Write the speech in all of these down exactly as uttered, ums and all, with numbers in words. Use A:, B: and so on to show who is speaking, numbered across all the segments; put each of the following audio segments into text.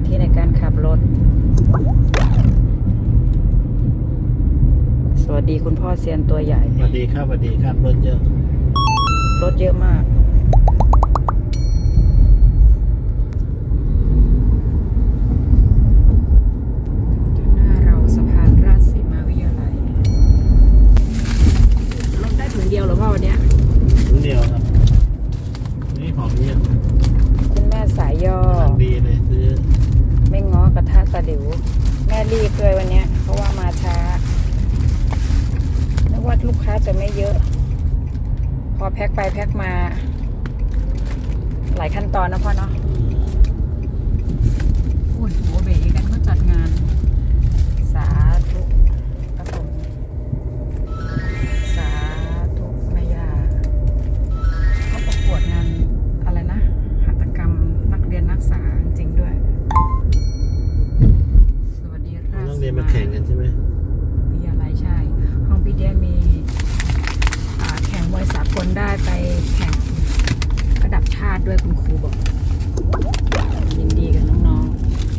A: ธิในการขับรถสวัสดีคุณพ่อเซียนตัวใหญ่
B: สวัสดีครับสวัสดีครับรถเยอะ
A: รถเยอะมากหน้าเราสะพานราชสีมาวิทยาลัยรถได้ถุงเดียวหรือเปล่าวันเนี้ย
B: ถุงเดียวครับนี่ของเยอะ
A: คุณแม่สายย่อ
B: ดีเลยซื้อ
A: ไม่ง้อกระทะตะดิวแม่รีบเลยวันเนี้ยเพราะว่ามาช้านึกว่าลูกค้าจะไม่เยอะพอแพ็คไปแพ็คมาหลายขั้นตอนนะพ่อเนาะโอ้ยโหเบ๋กันเขาจัดงานสาธุกระผมสาธุแม่ย่าเขาประกวดงานอะไรนะหัตถกรรมนักเรียนนักศึกษาจริงด้วยสวัสดีราช
B: นักเรียนมาแข่งกันใช่ไหม
A: วิทยาลัยใช่ห้องพี่เดียมีแข่งมวยสากลได้ไปแข่งระดับชาติด้วยคุณครูบอกยินดีกับน้อง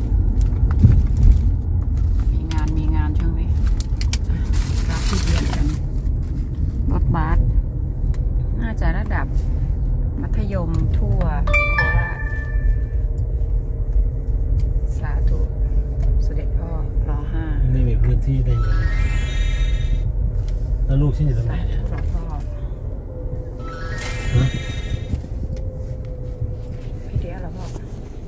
A: ๆมีงานมีงานช่วงนี้รับที่เรียนกันรถบัสน่าจะระดับมัธยมทั่วโคราชสาธุเสด็จพ่อรอห้า
B: ไม่มีพื้นที่ได้เลยแล้วลูกฉันอยู่ตรงไหนเนี่ย
A: หลวงพ่อพี่เดียเหรอพ่อ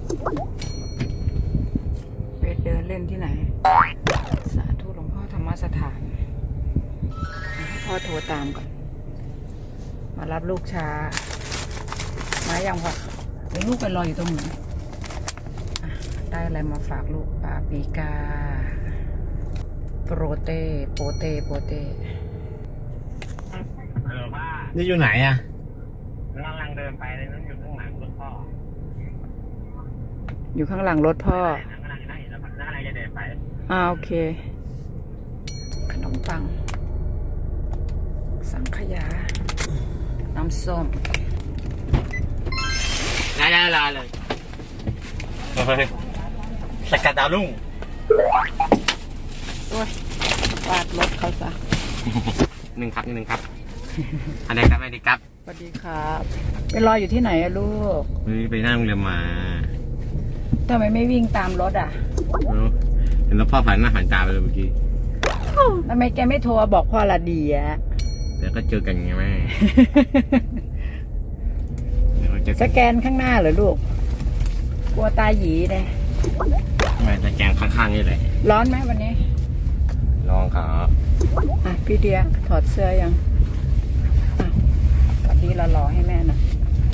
A: ไปเดินเล่นที่ไหนสาธุหลวงพ่อธรรมสถานพ่อโทรตามก่อนมารับลูกช้ามาอย่างพ่อเดี๋ยวลูกไปรออยู่ตรงไหนได้อะไรมาฝากลูกปาปีกาโปรเตโปเตโปเต
B: นี่อยู่ไหนอ่ะ
C: กำลังเดินไปเลยนั่นอยู่ข้างหลังรถพ่อ
A: อยู่ข้างหลังรถพ่อ
C: นั่งนั่งนั่งอยู่แล้วนั่งอะไรจะเดินไป
A: อ่าโอเคขนมปังสังขยาน้ำส้ม
C: ลาลาลาเลยสกัดดาวรุ่ง
A: โอ้ยปาดรถเขาซะ
C: หนึ่งครับหนึ่งครับอะไรครับอะไรครับ
A: สวัสดีครับไปรออยู่ที่ไหนอะลูก
C: ไปนั่งเรือมา
A: ทำไมไม่วิ่งตามรถอ่ะ
C: เห็นแล้วพ่อผ่านหน้าผ่านตาไปเลยเมื่อกี้
A: ทำไมแกไม่โทรบอกพ่อละดีอะ
C: เดี๋ยวก็เจอกันไงแม่
A: สแกนข้างหน้าเหรอลูกกลัวตาหยีเลย
C: ไม่สแกนข้างๆนี่เลย
A: ร้อนไหมวันนี้
C: ลองครับ
A: อ่ะพี่เดียถอดเสื้อยังสวัสดีเรารอให้แม่นะ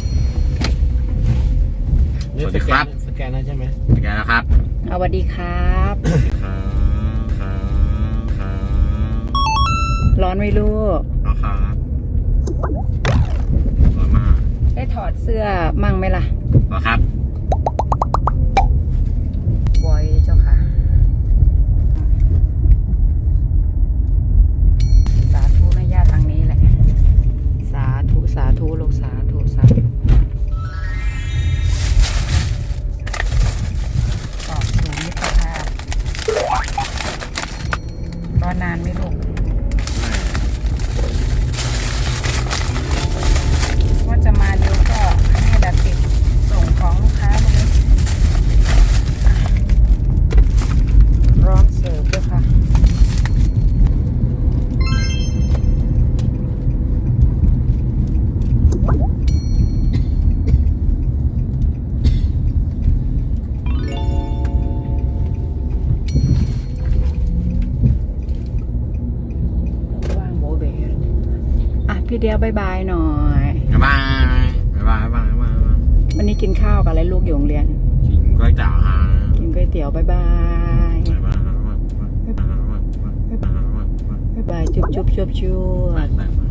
C: สวัสดีครับ
B: สแกนแล้วใช่ไหม
C: สแกนแล้วครับ
A: สวัสดีครับร้อนไหมลูก
C: ร้อนครับร้อนมาก
A: ได้ถอดเสื้อมั่งไหมล่ะ
C: ร้อนครับ
A: บอยเจ้าค่ะสาธุแม่ย่าทางนี้แหละสาธุสาธุลูกสาธุสาธุตอบสู่มิตรภาพรอนานไหมลูกว่าจะมาเร็วก็ให้ดับติดส่งของลูกค้าตรงนี้ร้อนเสิร์ฟด้วยค่ะพี่เดียวบายบายหน่อย
C: บายบายบายบาย
A: วันนี้กินข้าวกับอะไรลูกอยู่โรงเรียน
C: กินก๋วยเตี๋ยวฮะ
A: กินก๋วยเตี๋ยวบายบายบายบายบายบายจุ๊บจุ๊บจุ๊บจุ๊บ